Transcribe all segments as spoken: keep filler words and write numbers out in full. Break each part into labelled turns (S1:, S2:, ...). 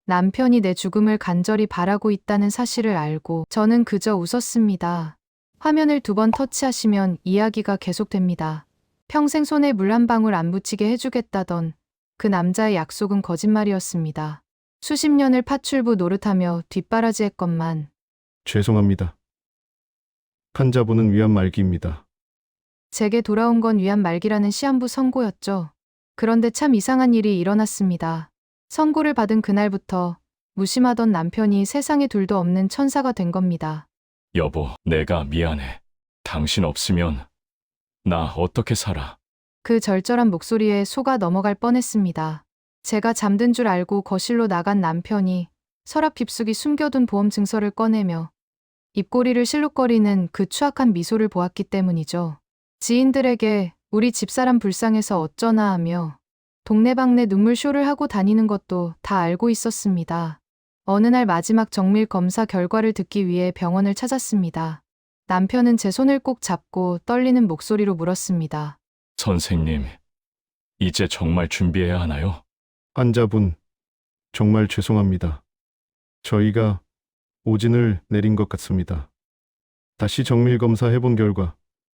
S1: 남편이 내 죽음을 간절히 바라고 있다는 사실을 알고 저는 그저 웃었습니다. 화면을 두 번 터치하시면 이야기가 계속됩니다. 평생 손에 물 한 방울 안 묻히게 해주겠다던 그 남자의 약속은 거짓말이었습니다. 수십 년을 파출부 노릇하며 뒷바라지했건만
S2: 죄송합니다. 환자분은 위안 말기입니다.
S1: 제게 돌아온 건 위안 말기라는 시한부 선고였죠. 그런데 참 이상한 일이 일어났습니다. 선고를 받은 그날부터 무심하던 남편이 세상에 둘도 없는 천사가 된 겁니다.
S3: 여보, 내가 미안해. 당신 없으면 나 어떻게 살아?
S1: 그 절절한 목소리에 속아 넘어갈 뻔했습니다. 제가 잠든 줄 알고 거실로 나간 남편이 서랍 깊숙이 숨겨둔 보험 증서를 꺼내며 입꼬리를 실룩거리는 그 추악한 미소를 보았기 때문이죠. 지인들에게 우리 집사람 불쌍해서 어쩌나 하며 동네방네 눈물쇼를 하고 다니는 것도 다 알고 있었습니다. 어느 날 마지막 정밀 검사 결과를 듣기 위해 병원을 찾았습니다. 남편은 제 손을 꼭 잡고 떨리는 목소리로 물었습니다.
S3: 선생님, 이제 정말 준비해야 하나요?
S2: 환자분, 정말 죄송합니다. 저희가 오진을 내린 것 같습니다. 다시 정밀 검사해본 결과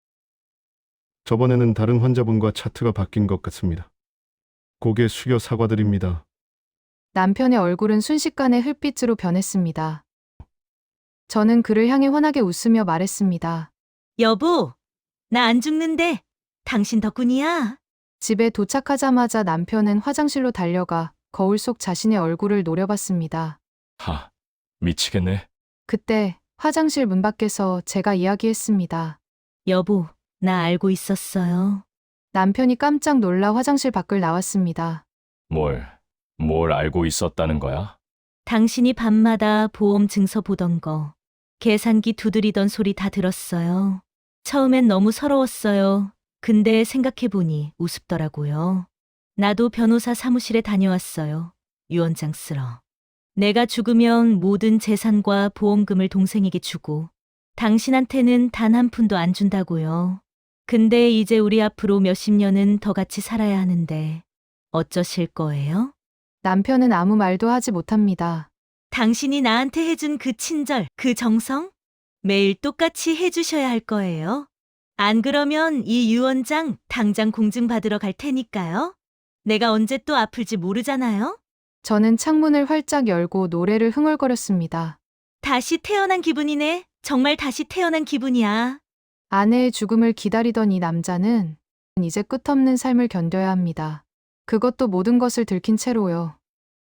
S2: 저번에는 다른 환자분과 차트가 바뀐 것 같습니다. 고개 숙여 사과드립니다.
S1: 남편의 얼굴은 순식간에 흙빛으로 변했습니다. 저는 그를 향해 환하게 웃으며 말했습니다.
S4: 여보, 나 안 죽는데 당신 덕분이야.
S1: 집에 도착하자마자 남편은 화장실로 달려가 거울 속 자신의 얼굴을 노려봤습니다.
S3: 하, 미치겠네.
S1: 그때 화장실 문 밖에서 제가 이야기했습니다.
S4: 여보, 나 알고 있었어요.
S1: 남편이 깜짝 놀라 화장실 밖을 나왔습니다.
S3: 뭘, 뭘 알고 있었다는 거야?
S4: 당신이 밤마다 보험 증서 보던 거, 계산기 두드리던 소리 다 들었어요. 처음엔 너무 서러웠어요. 근데 생각해보니 우습더라고요. 나도 변호사 사무실에 다녀왔어요. 유언장 쓰러. 내가 죽으면 모든 재산과 보험금을 동생에게 주고 당신한테는 단 한 푼도 안 준다고요. 근데 이제 우리 앞으로 몇십 년은 더 같이 살아야 하는데 어쩌실 거예요?
S1: 남편은 아무 말도 하지 못합니다.
S4: 당신이 나한테 해준 그 친절, 그 정성? 매일 똑같이 해주셔야 할 거예요. 안 그러면 이 유언장 당장 공증받으러 갈 테니까요. 내가 언제 또 아플지 모르잖아요.
S1: 저는 창문을 활짝 열고 노래를 흥얼거렸습니다.
S4: 다시 태어난 기분이네. 정말 다시 태어난 기분이야.
S1: 아내의 죽음을 기다리던 이 남자는 이제 끝없는 삶을 견뎌야 합니다. 그것도 모든 것을 들킨 채로요.